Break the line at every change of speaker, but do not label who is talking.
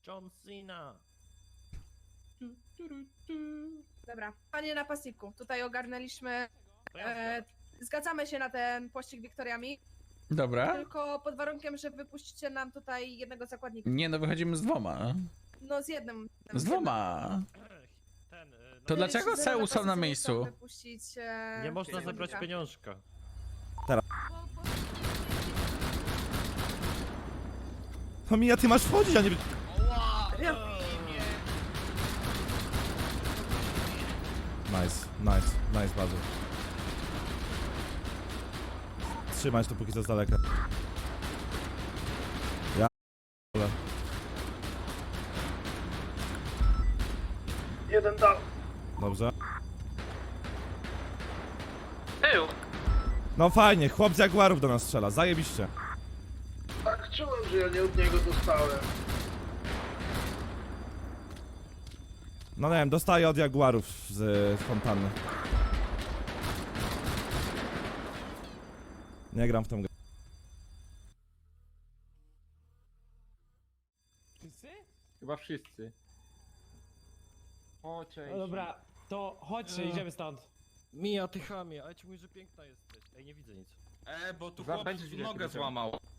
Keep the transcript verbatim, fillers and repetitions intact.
John Cena.
Dobra, panie napastniku, tutaj ogarnęliśmy.
To ja
E, zgadzamy się na ten pościg wiktoriami,
Dobra.
tylko pod warunkiem, że wypuścicie nam tutaj jednego zakładnika.
Nie no, wychodzimy z dwoma.
No z jednym.
Z dwoma.
Ten, y, no,
To dlaczego
Zero
Seu są na
napastnicy
miejscu?
chcą wypuścić, e,
nie można
zakładnika.
zebrać pieniążka.
No Mija, ty masz wchodzić, a nie... Nice, nice, nice bardzo. Trzymać to póki co z daleka. Ja...
Jeden dał.
Dobrze.
Był.
No fajnie, chłop z Jaguarów do nas strzela, zajebiście.
Tak czułem, że ja nie od niego dostałem.
No nie wiem, dostaję od Jaguarów z y, fontanny. Nie gram w tą grę.
Wszyscy?
Chyba wszyscy. O, cześć.
No dobra, to chodźcie, idziemy stąd.
Mija, ty chamie, ale ci mówię, że piękna jesteś. Ej, nie widzę nic.
E, bo tu
Za-
chłop
będziesz widział,
nogę
kiedy
złamał.